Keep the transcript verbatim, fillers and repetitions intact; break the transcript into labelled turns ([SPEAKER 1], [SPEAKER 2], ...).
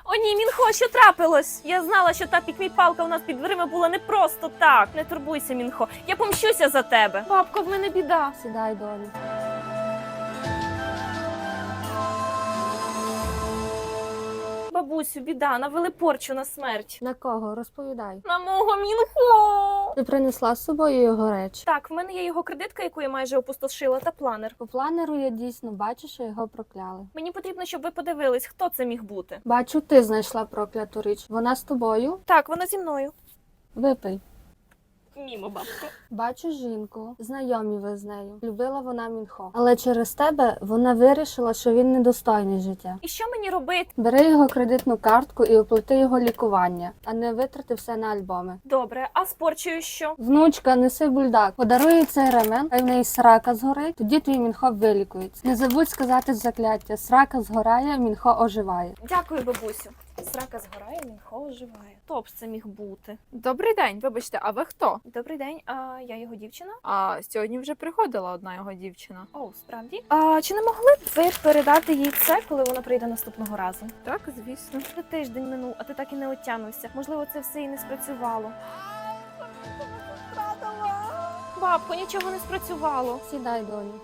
[SPEAKER 1] О ні, Мінхо, що трапилось? Я знала, що та пікмій-палка у нас під дверима була не просто так. Не турбуйся, Мінхо, я помщуся за тебе. Бабко, в мене біда.
[SPEAKER 2] Сідай, доню.
[SPEAKER 1] Бабусю, біда, навели порчу на смерть.
[SPEAKER 2] На кого? Розповідай.
[SPEAKER 1] На мого Мінхо!
[SPEAKER 2] Ти принесла з собою його речі?
[SPEAKER 1] Так, в мене є його кредитка, яку я майже опустошила, та планер.
[SPEAKER 2] По планеру я дійсно бачу, що його прокляли.
[SPEAKER 1] Мені потрібно, щоб ви подивились, хто це міг бути.
[SPEAKER 2] Бачу, ти знайшла прокляту річ. Вона з тобою?
[SPEAKER 1] Так, вона зі мною.
[SPEAKER 2] Випий.
[SPEAKER 1] Мімо, бабко.
[SPEAKER 2] Бачу жінку, знайомі ви з нею. Любила вона Мінхо. Але через тебе вона вирішила, що він недостойний життя.
[SPEAKER 1] І що мені робити?
[SPEAKER 2] Бери його кредитну картку і оплати його лікування, а не витрати все на альбоми.
[SPEAKER 1] Добре, а з порчею що?
[SPEAKER 2] Внучка, неси бульдак. Подаруй цей ремен, хай в неї срака згорить, тоді твій Мінхо вилікується. Не забудь сказати закляття. Срака згорає, Мінхо оживає.
[SPEAKER 1] Дякую, бабусю. Срака згорає, Мінхо оживає. Хто б це міг бути?
[SPEAKER 3] Добрий день, вибачте, а ви хто?
[SPEAKER 1] Добрий день, а я його дівчина?
[SPEAKER 3] А сьогодні вже приходила одна його дівчина.
[SPEAKER 1] О, справді? А чи не могли б ви передати їй це, коли вона прийде наступного разу?
[SPEAKER 3] Так, звісно.
[SPEAKER 1] Вже тиждень минув, а ти так і не отямився. Можливо, це все і не спрацювало. Бабко, нічого не спрацювало.
[SPEAKER 2] Сідай, доню.